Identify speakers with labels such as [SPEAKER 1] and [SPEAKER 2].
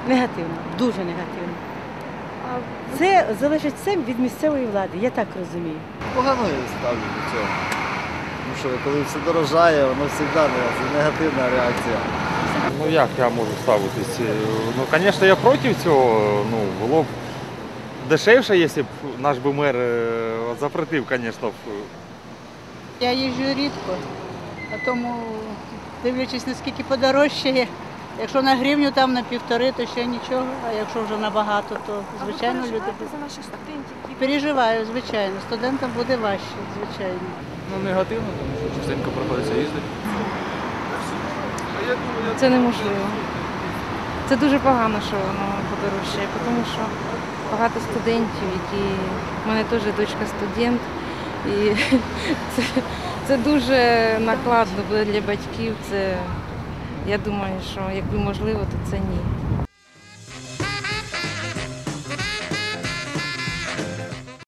[SPEAKER 1] Негативно, дуже негативно. Це залежить все від місцевої влади, я так розумію.
[SPEAKER 2] Погано я ставлю до цього. Тому що коли все дорожає, воно завжди негативна реакція.
[SPEAKER 3] Ну як я можу ставитись? Ну, звісно, я проти цього. Ну, було б дешевше, якщо б наш би мер запретив, звісно.
[SPEAKER 4] Я їжджу рідко, а тому, дивлячись, наскільки подорожчає, якщо на гривню там на півтори, то ще нічого, а якщо вже набагато, то звичайно люди
[SPEAKER 5] за наших студентів, які
[SPEAKER 4] переживаю, звичайно. Студентам буде важче, звичайно.
[SPEAKER 6] Ну, негативно, тому що частенько приходиться їздити.
[SPEAKER 7] Це неможливо. Це дуже погано, що воно подорожчає, тому що багато студентів, які... У мене теж дочка студент, і це дуже накладно буде для батьків. Я думаю, що якби можливо, то це ні.